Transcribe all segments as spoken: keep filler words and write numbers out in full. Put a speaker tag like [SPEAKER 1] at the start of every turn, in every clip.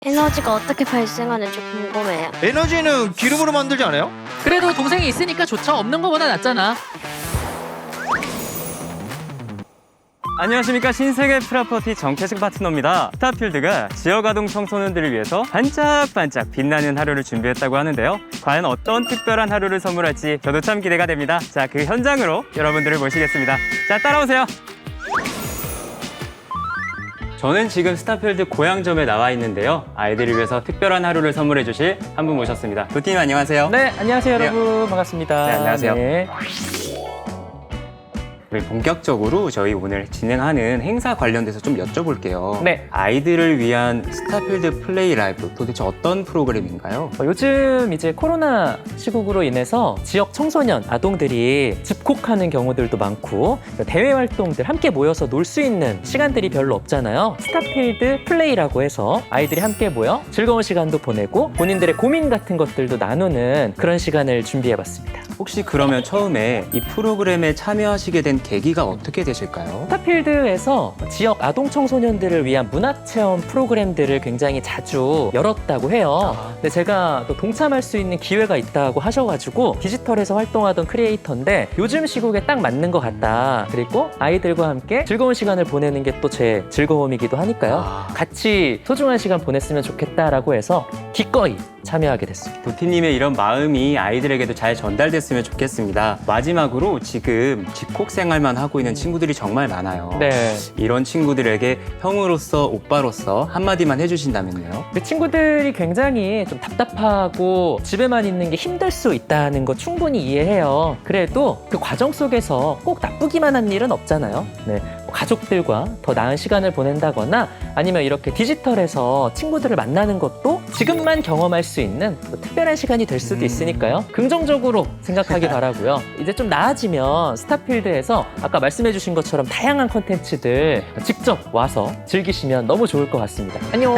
[SPEAKER 1] 에너지가 어떻게 발생하는지 궁금해요.
[SPEAKER 2] 에너지는 기름으로 만들지 않아요?
[SPEAKER 3] 그래도 동생이 있으니까 좋죠. 없는 거보다 낫잖아.
[SPEAKER 4] 안녕하십니까. 신세계 프라퍼티 정태식 파트너입니다. 스타필드가 지역아동 청소년들을 위해서 반짝반짝 빛나는 하루를 준비했다고 하는데요. 과연 어떤 특별한 하루를 선물할지 저도 참 기대가 됩니다. 자, 그 현장으로 여러분들을 모시겠습니다. 자, 따라오세요. 저는 지금 스타필드 고향점에 나와 있는데요. 아이들을 위해서 특별한 하루를 선물해 주실 한 분 모셨습니다. 도티님 안녕하세요.
[SPEAKER 5] 네, 안녕하세요
[SPEAKER 4] 네.
[SPEAKER 5] 여러분. 반갑습니다.
[SPEAKER 4] 네, 안녕하세요.
[SPEAKER 5] 네.
[SPEAKER 4] 우리 본격적으로 저희 오늘 진행하는 행사 관련돼서 좀 여쭤볼게요.
[SPEAKER 5] 네.
[SPEAKER 4] 아이들을 위한 스타필드 플레이 라이브 도대체 어떤 프로그램인가요?
[SPEAKER 5] 어, 요즘 이제 코로나 시국으로 인해서 지역 청소년, 아동들이 집콕하는 경우들도 많고 대외 활동들 함께 모여서 놀 수 있는 시간들이 별로 없잖아요. 스타필드 플레이라고 해서 아이들이 함께 모여 즐거운 시간도 보내고 본인들의 고민 같은 것들도 나누는 그런 시간을 준비해봤습니다.
[SPEAKER 4] 혹시 그러면 처음에 이 프로그램에 참여하시게 된 계기가 어떻게 되실까요?
[SPEAKER 5] 스타필드에서 지역 아동 청소년들을 위한 문화체험 프로그램들을 굉장히 자주 열었다고 해요. 근데 제가 또 동참할 수 있는 기회가 있다고 하셔가지고 디지털에서 활동하던 크리에이터인데 요즘 시국에 딱 맞는 것 같다. 그리고 아이들과 함께 즐거운 시간을 보내는 게 또 제 즐거움이기도 하니까요.
[SPEAKER 4] 아.
[SPEAKER 5] 같이 소중한 시간 보냈으면 좋겠다라고 해서 기꺼이 참여하게 됐습니다.
[SPEAKER 4] 도티님의 이런 마음이 아이들에게도 잘 전달됐으면 좋겠습니다. 마지막으로 지금 집콕 생활만 하고 있는 친구들이 정말 많아요.
[SPEAKER 5] 네.
[SPEAKER 4] 이런 친구들에게 형으로서 오빠로서 한마디만 해주신다면요?
[SPEAKER 5] 그 친구들이 굉장히 좀 답답하고 집에만 있는 게 힘들 수 있다는 거 충분히 이해해요. 그래도 그 과정 속에서 꼭 나쁘기만 한 일은 없잖아요. 네. 뭐 가족들과 더 나은 시간을 보낸다거나 아니면 이렇게 디지털에서 친구들을 만나는 것도 지금만 경험할 수 있는 뭐 특별한 시간이 될 수도 있으니까요. 긍정적으로 생각하기 바라고요. 이제 좀 나아지면 스타필드에서 아까 말씀해주신 것처럼 다양한 콘텐츠들 직접 와서 즐기시면 너무 좋을 것 같습니다. 안녕.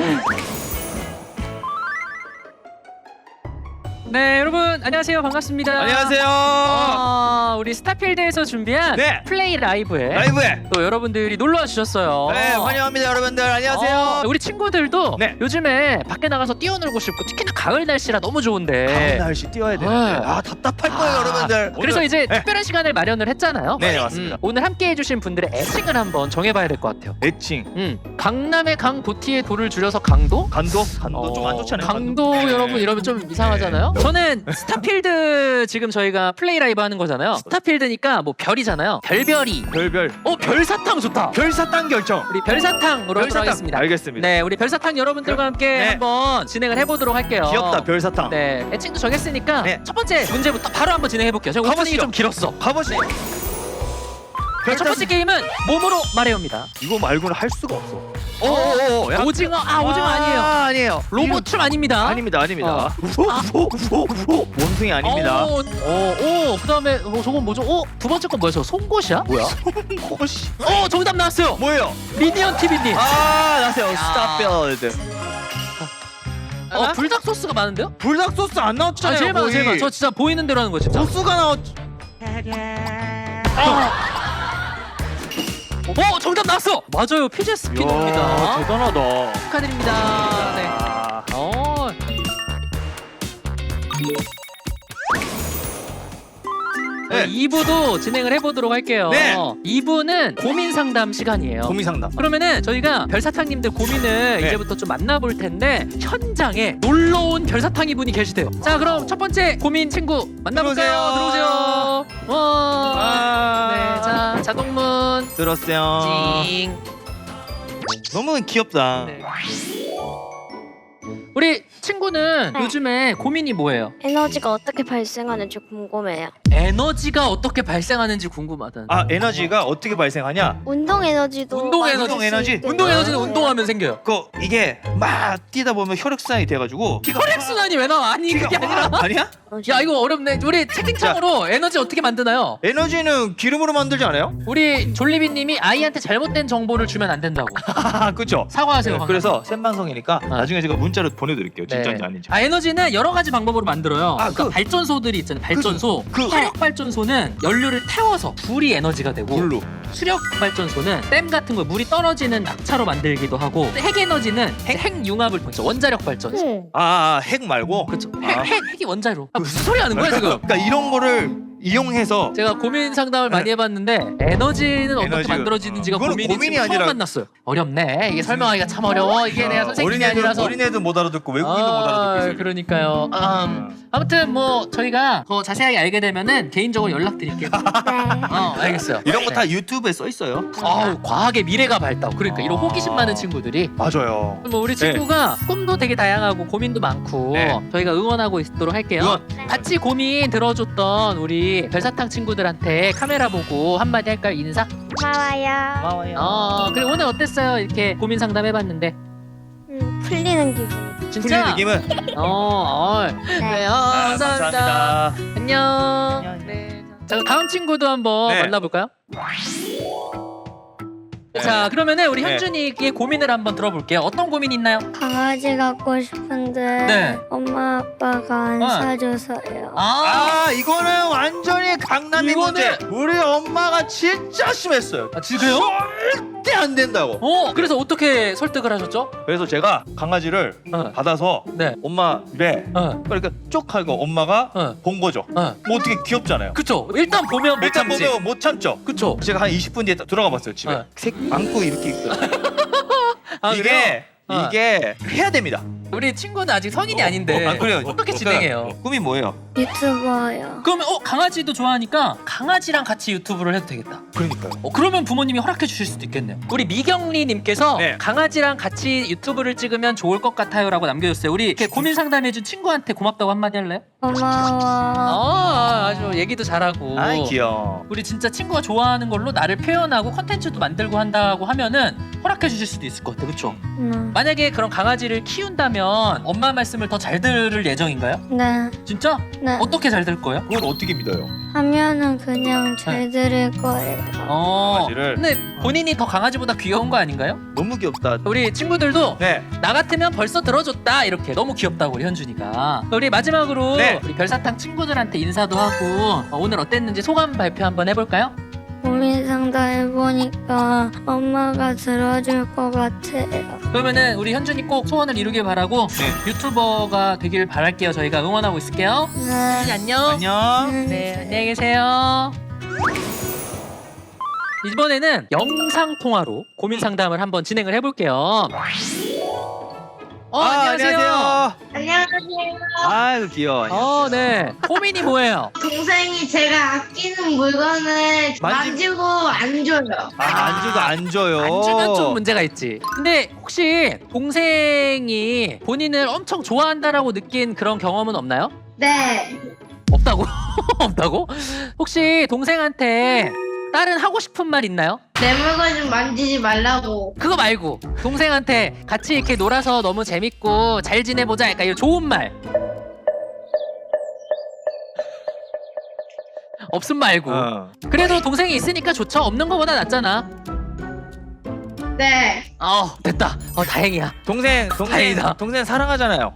[SPEAKER 3] 네, 여러분 안녕하세요. 반갑습니다.
[SPEAKER 2] 안녕하세요.
[SPEAKER 3] 아, 우리 스타필드에서 준비한
[SPEAKER 2] 네.
[SPEAKER 3] 플레이 라이브에
[SPEAKER 2] 라이브에
[SPEAKER 3] 또 여러분들이 놀러와 주셨어요.
[SPEAKER 2] 네, 환영합니다, 여러분들. 안녕하세요.
[SPEAKER 3] 어, 우리 친구들도
[SPEAKER 2] 네.
[SPEAKER 3] 요즘에 밖에 나가서 뛰어놀고 싶고 특히나 가을 날씨라 너무 좋은데
[SPEAKER 2] 다음 날씨 뛰어야 되는데
[SPEAKER 3] 네.
[SPEAKER 2] 아 답답할 거예요,
[SPEAKER 3] 아,
[SPEAKER 2] 여러분들.
[SPEAKER 3] 그래서
[SPEAKER 2] 오늘-
[SPEAKER 3] 이제
[SPEAKER 2] 네.
[SPEAKER 3] 특별한 시간을 마련을 했잖아요.
[SPEAKER 2] 네, 맞습니다.
[SPEAKER 3] 음, 오늘 함께 해주신 분들의 애칭을 한번 정해봐야 될 것 같아요.
[SPEAKER 2] 애칭
[SPEAKER 3] 음, 강남의 강 도티의 도를 줄여서 강도?
[SPEAKER 2] 간도 간도 좀 안
[SPEAKER 3] 어,
[SPEAKER 2] 좋잖아요.
[SPEAKER 3] 강도
[SPEAKER 2] 네.
[SPEAKER 3] 여러분 이러면 좀 이상하잖아요. 저는 스타필드 지금 저희가 플레이 라이브 하는 거잖아요. 스타필드니까 뭐 별이잖아요. 별별이.
[SPEAKER 2] 별별
[SPEAKER 3] 어 별사탕 좋다.
[SPEAKER 2] 별사탕 결정.
[SPEAKER 3] 우리 별사탕으로 하도록 하겠습니다.
[SPEAKER 2] 알겠습니다.
[SPEAKER 3] 네, 우리 별사탕 여러분들과 함께
[SPEAKER 2] 네.
[SPEAKER 3] 한번 진행을 해보도록 할게요.
[SPEAKER 2] 귀엽다, 별사탕.
[SPEAKER 3] 네, 애칭도 정했으니까
[SPEAKER 2] 네.
[SPEAKER 3] 첫 번째 문제부터 바로 한번 진행해 볼게요. 제가 오프닝이
[SPEAKER 2] 가보시죠.
[SPEAKER 3] 좀 길었어.
[SPEAKER 2] 가보시죠.
[SPEAKER 3] 네, 첫 번째 게임은 몸으로 말해옵니다.
[SPEAKER 2] 이거 말고는 할 수가 없어. 오오오. 야.
[SPEAKER 3] 오징어, 아 오징어 아니에요.
[SPEAKER 2] 아, 아니에요.
[SPEAKER 3] 로봇 춤 아닙니다.
[SPEAKER 2] 아닙니다, 아닙니다.
[SPEAKER 3] 어.
[SPEAKER 2] 우호, 우호, 우호, 우호. 원숭이 아닙니다.
[SPEAKER 3] 오, 오, 오, 그다음에 어, 저건 뭐죠? 오, 두 번째 건 뭐야? 저 송곳이야?
[SPEAKER 2] 뭐야? 호시.
[SPEAKER 3] 어, 정답 나왔어요.
[SPEAKER 2] 뭐예요?
[SPEAKER 3] 미니언 티비님.
[SPEAKER 2] 아, 나세요. 스타필드.
[SPEAKER 3] 어, 불닭 소스가 많은데요?
[SPEAKER 2] 불닭 소스 안
[SPEAKER 3] 아,
[SPEAKER 2] 나왔잖아요.
[SPEAKER 3] 제일 많아,
[SPEAKER 2] 거의.
[SPEAKER 3] 제일 많아. 저 진짜 보이는 대로 하는 거 진짜.
[SPEAKER 2] 소스가 나왔.
[SPEAKER 3] 어, 정답 나왔어. 맞아요, 피제 스피너입니다.
[SPEAKER 2] 이야, 대단하다.
[SPEAKER 3] 축하드립니다. 네.
[SPEAKER 2] 아,
[SPEAKER 3] 어.
[SPEAKER 2] 네.
[SPEAKER 3] 이 부도 진행을 해보도록 할게요.
[SPEAKER 2] 네.
[SPEAKER 3] 이 부는 고민 상담 시간이에요.
[SPEAKER 2] 고민 상담.
[SPEAKER 3] 그러면은 저희가 별사탕님들 고민을
[SPEAKER 2] 네.
[SPEAKER 3] 이제부터 좀 만나볼 텐데 현장에 놀러 온 별사탕이 분이 계시대요. 자, 그럼 첫 번째 고민 친구 만나볼까요?
[SPEAKER 2] 들어오세요.
[SPEAKER 3] 들어오세요. 와.
[SPEAKER 2] 아,
[SPEAKER 3] 네, 자 자동문
[SPEAKER 2] 들었어요.
[SPEAKER 3] 찡.
[SPEAKER 2] 너무 귀엽다.
[SPEAKER 3] 네. 우리 친구는
[SPEAKER 1] 네.
[SPEAKER 3] 요즘에 고민이 뭐예요?
[SPEAKER 1] 에너지가 어떻게 발생하는지 궁금해요.
[SPEAKER 3] 에너지가 어떻게 발생하는지 궁금하다는.
[SPEAKER 2] 아, 에너지가 어떻게 발생하냐?
[SPEAKER 1] 운동 에너지도
[SPEAKER 3] 운동
[SPEAKER 1] 만들
[SPEAKER 3] 에너지.
[SPEAKER 1] 수
[SPEAKER 2] 운동 에너지?
[SPEAKER 1] 있겠네요.
[SPEAKER 3] 운동 에너지는
[SPEAKER 1] 네.
[SPEAKER 3] 운동하면 생겨요.
[SPEAKER 2] 그 이게 막 뛰다 보면 혈액순환이 돼가지고 피가
[SPEAKER 3] 혈액순환이 왜 나와? 아니 그게
[SPEAKER 2] 피가
[SPEAKER 3] 아니라.
[SPEAKER 2] 막- 아니야?
[SPEAKER 3] 야 이거 어렵네. 우리 채팅창으로 에너지 어떻게 만드나요?
[SPEAKER 2] 에너지는 기름으로 만들지 않아요?
[SPEAKER 3] 우리 졸리비님이 아이한테 잘못된 정보를 주면 안 된다고.
[SPEAKER 2] 아, 그렇죠.
[SPEAKER 3] 사과하세요.
[SPEAKER 2] 네,
[SPEAKER 3] 방금.
[SPEAKER 2] 그래서 생방송이니까 나중에 제가 문자 진짜로 보내드릴게요. 진짜인지
[SPEAKER 3] 네.
[SPEAKER 2] 아닌지.
[SPEAKER 3] 아 에너지는 여러 가지 방법으로 만들어요.
[SPEAKER 2] 아,
[SPEAKER 3] 그러니까
[SPEAKER 2] 그-
[SPEAKER 3] 발전소들이 있잖아요. 발전소.
[SPEAKER 2] 그-
[SPEAKER 3] 화력 발전소는 연료를 태워서 불이 에너지가 되고
[SPEAKER 2] 물로.
[SPEAKER 3] 수력 발전소는 댐 같은 거 물이 떨어지는 낙차로 만들기도 하고 핵 에너지는 핵, 핵 융합을 보죠. 원자력 발전소.
[SPEAKER 1] 응.
[SPEAKER 2] 아, 아, 핵 말고.
[SPEAKER 3] 그렇죠.
[SPEAKER 2] 아.
[SPEAKER 3] 핵, 핵, 핵이 원자로. 아, 무슨 소리 하는 거야 지금?
[SPEAKER 2] 그러니까 이런 거를 이용해서
[SPEAKER 3] 제가 고민 상담을 많이 해봤는데 에너지는 어떻게
[SPEAKER 2] 에너지가-
[SPEAKER 3] 만들어지는지가
[SPEAKER 2] 그거는
[SPEAKER 3] 고민이
[SPEAKER 2] 고민이
[SPEAKER 3] 지금 처음
[SPEAKER 2] 아니라-
[SPEAKER 3] 만났어요. 어렵네. 이게 설명하기가 참 어려워. 이게 내가 선생님이
[SPEAKER 2] 어린애들,
[SPEAKER 3] 아니라서.
[SPEAKER 2] 어린애들 못 알아듣고 외국인도 못 알아듣고 있어요.
[SPEAKER 3] 그러니까요. 음, 아무튼 뭐 저희가 더 자세하게 알게 되면은 개인적으로 연락드릴게요.
[SPEAKER 1] 네.
[SPEAKER 3] 어, 알겠어요.
[SPEAKER 2] 이런 거 다
[SPEAKER 3] 네.
[SPEAKER 2] 유튜브에 써 있어요.
[SPEAKER 3] 아우, 과학의 미래가 밝다고. 그러니까 이런
[SPEAKER 2] 아.
[SPEAKER 3] 호기심 많은 친구들이
[SPEAKER 2] 맞아요.
[SPEAKER 3] 뭐 우리 친구가 꿈도 되게 다양하고 고민도 많고
[SPEAKER 2] 네.
[SPEAKER 3] 저희가 응원하고 있도록 할게요.
[SPEAKER 2] 응원.
[SPEAKER 3] 같이 고민 들어줬던 우리 별사탕 친구들한테 카메라 보고 한마디 할까요? 인사?
[SPEAKER 1] 고마워요.
[SPEAKER 2] 고마워요.
[SPEAKER 3] 어, 그리고 오늘 어땠어요? 이렇게 고민 상담 해봤는데.
[SPEAKER 1] 음, 풀리는 기분.
[SPEAKER 3] 진짜?
[SPEAKER 2] 풀리는 느낌은
[SPEAKER 3] 어, 어. 네, 어,
[SPEAKER 2] 아,
[SPEAKER 3] 감사합니다. 안녕. 네. 자, 다음 친구도 한번
[SPEAKER 2] 네.
[SPEAKER 3] 만나볼까요?
[SPEAKER 2] 네.
[SPEAKER 3] 자, 그러면은 우리
[SPEAKER 2] 네.
[SPEAKER 3] 현준이의 고민을 한번 들어볼게요. 어떤 고민 있나요?
[SPEAKER 1] 강아지 갖고 싶은데
[SPEAKER 3] 네.
[SPEAKER 1] 엄마 아빠가 안
[SPEAKER 3] 어.
[SPEAKER 1] 사줘서요.
[SPEAKER 3] 아,
[SPEAKER 2] 아, 이거는 완전히 강남의
[SPEAKER 3] 이거는-
[SPEAKER 2] 문제. 우리 엄마가 진짜 심했어요.
[SPEAKER 3] 아, 진짜요?
[SPEAKER 2] 절대 안 된다고.
[SPEAKER 3] 어, 그래서 어떻게 설득을 하셨죠?
[SPEAKER 2] 그래서 제가 강아지를
[SPEAKER 3] 어,
[SPEAKER 2] 받아서
[SPEAKER 3] 네.
[SPEAKER 2] 엄마 입에
[SPEAKER 3] 어,
[SPEAKER 2] 그러니까 쪽 하고 엄마가
[SPEAKER 3] 어,
[SPEAKER 2] 본 거죠.
[SPEAKER 3] 어.
[SPEAKER 2] 뭐 어떻게 귀엽잖아요.
[SPEAKER 3] 그쵸. 일단 보면 못
[SPEAKER 2] 일단
[SPEAKER 3] 참지.
[SPEAKER 2] 보면 못 참죠.
[SPEAKER 3] 그쵸.
[SPEAKER 2] 제가 한 이십 분 뒤에 딱 들어가 봤어요. 집에.
[SPEAKER 3] 어.
[SPEAKER 2] 색 안고 이렇게 있어요.
[SPEAKER 3] 아, 그래요?
[SPEAKER 2] 이게
[SPEAKER 3] 어.
[SPEAKER 2] 이게 해야 됩니다.
[SPEAKER 3] 우리 친구는 아직 성인이 아닌데
[SPEAKER 2] 아, 그래요.
[SPEAKER 3] 어떻게
[SPEAKER 2] 그러니까
[SPEAKER 3] 진행해요?
[SPEAKER 2] 꿈이 뭐예요?
[SPEAKER 1] 유튜버요.
[SPEAKER 3] 그러면 어 강아지도 좋아하니까 강아지랑 같이 유튜브를 해도 되겠다.
[SPEAKER 2] 그러니까요.
[SPEAKER 3] 어, 그러면 부모님이 허락해 주실 수도 있겠네요. 우리 미경리님께서
[SPEAKER 2] 네.
[SPEAKER 3] 강아지랑 같이 유튜브를 찍으면 좋을 것 같아요라고 남겨줬어요. 우리 이렇게 고민 상담해준 친구한테 고맙다고 한마디 할래요?
[SPEAKER 1] 고마워.
[SPEAKER 3] 아 아주 얘기도 잘하고.
[SPEAKER 2] 아이 귀여워.
[SPEAKER 3] 우리 진짜 친구가 좋아하는 걸로 나를 표현하고 컨텐츠도 만들고 한다고 하면은 허락해 주실 수도 있을 것 같아요. 그렇죠?
[SPEAKER 1] 음.
[SPEAKER 3] 만약에 그런 강아지를 키운다면 엄마 말씀을 더 잘 들을 예정인가요?
[SPEAKER 1] 네.
[SPEAKER 3] 진짜?
[SPEAKER 1] 네.
[SPEAKER 3] 어떻게 잘 들 거예요?
[SPEAKER 2] 그걸 어떻게 믿어요?
[SPEAKER 1] 하면은 그냥 잘 들을 거예요.
[SPEAKER 3] 어.
[SPEAKER 2] 강아지를?
[SPEAKER 3] 근데 본인이 더 강아지보다 귀여운 거 아닌가요?
[SPEAKER 2] 너무 귀엽다.
[SPEAKER 3] 우리 친구들도
[SPEAKER 2] 네.
[SPEAKER 3] 나 같으면 벌써 들어줬다 이렇게 너무 귀엽다고 우리 현준이가. 우리 마지막으로
[SPEAKER 2] 네.
[SPEAKER 3] 우리 별사탕 친구들한테 인사도 하고 어, 오늘 어땠는지 소감 발표 한번 해볼까요?
[SPEAKER 1] 고민 상담 해보니까 엄마가 들어줄 것 같아요.
[SPEAKER 3] 그러면은 우리 현준이 꼭 소원을 이루길 바라고
[SPEAKER 2] 네.
[SPEAKER 3] 유튜버가 되길 바랄게요. 저희가 응원하고 있을게요.
[SPEAKER 1] 네.
[SPEAKER 3] 현준이 안녕.
[SPEAKER 2] 안녕.
[SPEAKER 3] 네, 안녕히 계세요. 이번에는 영상 통화로 고민 상담을 한번 진행을 해볼게요. 어,
[SPEAKER 2] 아,
[SPEAKER 3] 안녕하세요.
[SPEAKER 6] 안녕하세요.
[SPEAKER 2] 아유 귀여워.
[SPEAKER 3] 어, 네. 고민이 뭐예요?
[SPEAKER 6] 동생이 제가 아끼는 물건을
[SPEAKER 2] 만지-
[SPEAKER 6] 만지고 안 줘요.
[SPEAKER 2] 아, 안 주고 안 줘요.
[SPEAKER 3] 안 주면 좀 문제가 있지. 근데 혹시 동생이 본인을 엄청 좋아한다라고 느낀 그런 경험은 없나요?
[SPEAKER 6] 네.
[SPEAKER 3] 없다고? 없다고? 혹시 동생한테 다른 하고 싶은 말 있나요?
[SPEAKER 6] 내 물건 좀 만지지 말라고.
[SPEAKER 3] 그거 말고 동생한테 같이 이렇게 놀아서 너무 재밌고 잘 지내보자 약간 이런 좋은 말 없음 말고
[SPEAKER 2] 어.
[SPEAKER 3] 그래도 동생이 있으니까 좋죠. 없는 거보다 낫잖아.
[SPEAKER 6] 네.
[SPEAKER 3] 어 됐다. 어 다행이야.
[SPEAKER 2] 동생 동생
[SPEAKER 3] 다행이다.
[SPEAKER 2] 동생 사랑하잖아요.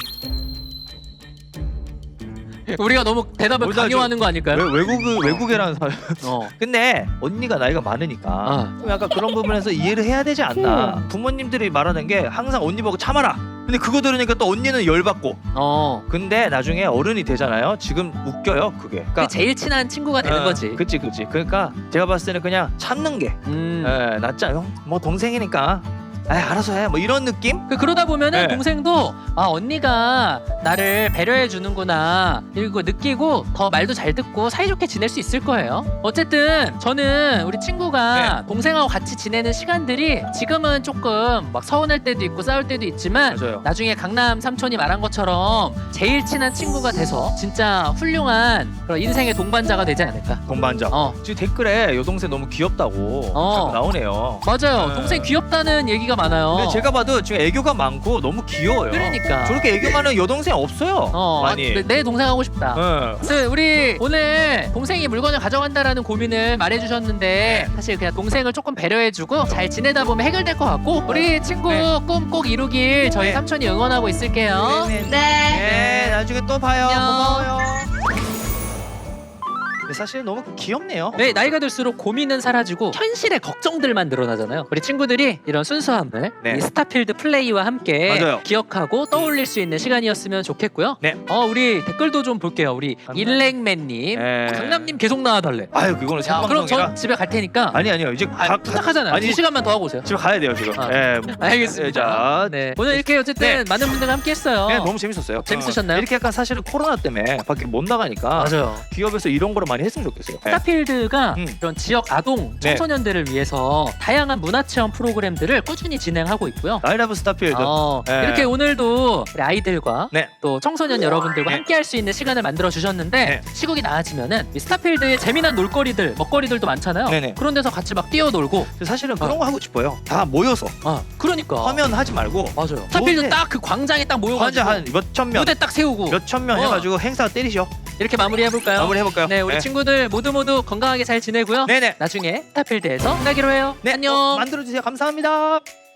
[SPEAKER 3] 우리가 너무 대답을
[SPEAKER 2] 뭐다,
[SPEAKER 3] 강요하는 거 아닐까요?
[SPEAKER 2] 외, 외국 외국애라는 사람.
[SPEAKER 3] 어.
[SPEAKER 2] 근데 언니가 나이가 많으니까
[SPEAKER 3] 어.
[SPEAKER 2] 좀 약간 그런 부분에서 이해를 해야 되지 않나. 부모님들이 말하는 게 항상 언니 보고 참아라. 근데 그거 들으니까 또 언니는 열받고.
[SPEAKER 3] 어.
[SPEAKER 2] 근데 나중에 어른이 되잖아요. 지금 웃겨요 그게.
[SPEAKER 3] 그게 제일 친한 친구가 되는
[SPEAKER 2] 어,
[SPEAKER 3] 거지.
[SPEAKER 2] 그치 그치. 그러니까 제가 봤을 때는 그냥 참는 게
[SPEAKER 3] 음.
[SPEAKER 2] 예, 낫지 않아요? 뭐 동생이니까. 아 알아서 해. 뭐 이런 느낌?
[SPEAKER 3] 그 그러다 보면은
[SPEAKER 2] 네.
[SPEAKER 3] 동생도 아 언니가 나를 배려해 주는구나 이거 느끼고 더 말도 잘 듣고 사이좋게 지낼 수 있을 거예요. 어쨌든 저는 우리 친구가
[SPEAKER 2] 네.
[SPEAKER 3] 동생하고 같이 지내는 시간들이 지금은 조금 막 서운할 때도 있고 싸울 때도 있지만
[SPEAKER 2] 맞아요.
[SPEAKER 3] 나중에 강남 삼촌이 말한 것처럼 제일 친한 친구가 돼서 진짜 훌륭한 그런 인생의 동반자가 되지 않을까.
[SPEAKER 2] 동반자.
[SPEAKER 3] 어
[SPEAKER 2] 지금 댓글에 여동생 너무 귀엽다고
[SPEAKER 3] 어.
[SPEAKER 2] 자꾸 나오네요.
[SPEAKER 3] 맞아요.
[SPEAKER 2] 네.
[SPEAKER 3] 동생 귀엽다는 얘기가 많아요.
[SPEAKER 2] 근데 제가 봐도 지금 애교가 많고 너무 귀여워요.
[SPEAKER 3] 그러니까.
[SPEAKER 2] 저렇게 애교 많은 여동생 없어요.
[SPEAKER 3] 어,
[SPEAKER 2] 많이.
[SPEAKER 3] 내, 내 동생 하고 싶다.
[SPEAKER 2] 어.
[SPEAKER 3] 네, 우리 오늘 동생이 물건을 가져간다라는 고민을 말해주셨는데 사실 그냥 동생을 조금 배려해주고 잘 지내다 보면 해결될 것 같고 우리 친구
[SPEAKER 2] 네.
[SPEAKER 3] 꿈 꼭 이루길 저희
[SPEAKER 2] 네.
[SPEAKER 3] 삼촌이 응원하고 있을게요.
[SPEAKER 2] 네, 네.
[SPEAKER 6] 네.
[SPEAKER 2] 네, 나중에 또 봐요.
[SPEAKER 3] 안녕.
[SPEAKER 2] 고마워요. 근데 사실 너무 귀엽네요.
[SPEAKER 3] 네, 나이가 들수록 고민은 사라지고 현실의 걱정들만 늘어나잖아요. 우리 친구들이 이런 순수함을
[SPEAKER 2] 네.
[SPEAKER 3] 이 스타필드 플레이와 함께
[SPEAKER 2] 맞아요.
[SPEAKER 3] 기억하고 떠올릴 수 있는 시간이었으면 좋겠고요.
[SPEAKER 2] 네.
[SPEAKER 3] 어, 우리 댓글도 좀 볼게요. 우리
[SPEAKER 2] 강남.
[SPEAKER 3] 일랭맨님,
[SPEAKER 2] 네.
[SPEAKER 3] 강남님 계속 나와달래.
[SPEAKER 2] 아유, 그거는
[SPEAKER 3] 야, 그럼
[SPEAKER 2] 생방송이라.
[SPEAKER 3] 전 집에 갈 테니까.
[SPEAKER 2] 아니 아니요. 이제
[SPEAKER 3] 아,
[SPEAKER 2] 가-
[SPEAKER 3] 부탁하잖아요.
[SPEAKER 2] 아니,
[SPEAKER 3] 두 시간만 더 하고 오세요.
[SPEAKER 2] 집에 가야 돼요 지금.
[SPEAKER 3] 아.
[SPEAKER 2] 예.
[SPEAKER 3] 알겠습니다.
[SPEAKER 2] 예, 자,
[SPEAKER 3] 네. 오늘 이렇게 어쨌든 많은 분들과 함께했어요.
[SPEAKER 2] 네, 너무 재밌었어요.
[SPEAKER 3] 재밌으셨나요?
[SPEAKER 2] 어, 이렇게 약간 사실은 코로나 때문에 밖에 못 나가니까
[SPEAKER 3] 맞아요.
[SPEAKER 2] 기업에서 이런 거를 많이 했으면 좋겠어요. 네.
[SPEAKER 3] 스타필드가
[SPEAKER 2] 음.
[SPEAKER 3] 이런 지역 아동
[SPEAKER 2] 네.
[SPEAKER 3] 청소년들을 위해서 다양한 문화 체험 프로그램들을 꾸준히 진행하고 있고요.
[SPEAKER 2] 나이라브 스타필드.
[SPEAKER 3] 어,
[SPEAKER 2] 네.
[SPEAKER 3] 이렇게 오늘도 우리 아이들과
[SPEAKER 2] 네.
[SPEAKER 3] 또 청소년 여러분들과
[SPEAKER 2] 네.
[SPEAKER 3] 함께 할 수 있는 시간을 만들어 주셨는데
[SPEAKER 2] 네.
[SPEAKER 3] 시국이 나아지면은 이 스타필드의 재미난 놀거리들, 먹거리들도 많잖아요.
[SPEAKER 2] 네네.
[SPEAKER 3] 그런 데서 같이 막 뛰어놀고.
[SPEAKER 2] 사실은 그런 거 하고 싶어요. 다 모여서
[SPEAKER 3] 아, 그러니까.
[SPEAKER 2] 화면 하지 말고
[SPEAKER 3] 맞아요. 스타필드
[SPEAKER 2] 무대.
[SPEAKER 3] 딱 그 광장에 딱
[SPEAKER 2] 환자
[SPEAKER 3] 모여가지고
[SPEAKER 2] 한 몇천 명,
[SPEAKER 3] 무대 딱 세우고
[SPEAKER 2] 몇천 명
[SPEAKER 3] 어.
[SPEAKER 2] 해가지고 행사 때리죠.
[SPEAKER 3] 이렇게 마무리 해볼까요?
[SPEAKER 2] 마무리 해볼까요?
[SPEAKER 3] 네, 우리 친구들 모두 모두 건강하게 잘 지내고요.
[SPEAKER 2] 네네.
[SPEAKER 3] 나중에 스타필드에서 만나기로 해요.
[SPEAKER 2] 네.
[SPEAKER 3] 안녕.
[SPEAKER 2] 어, 만들어주세요. 감사합니다.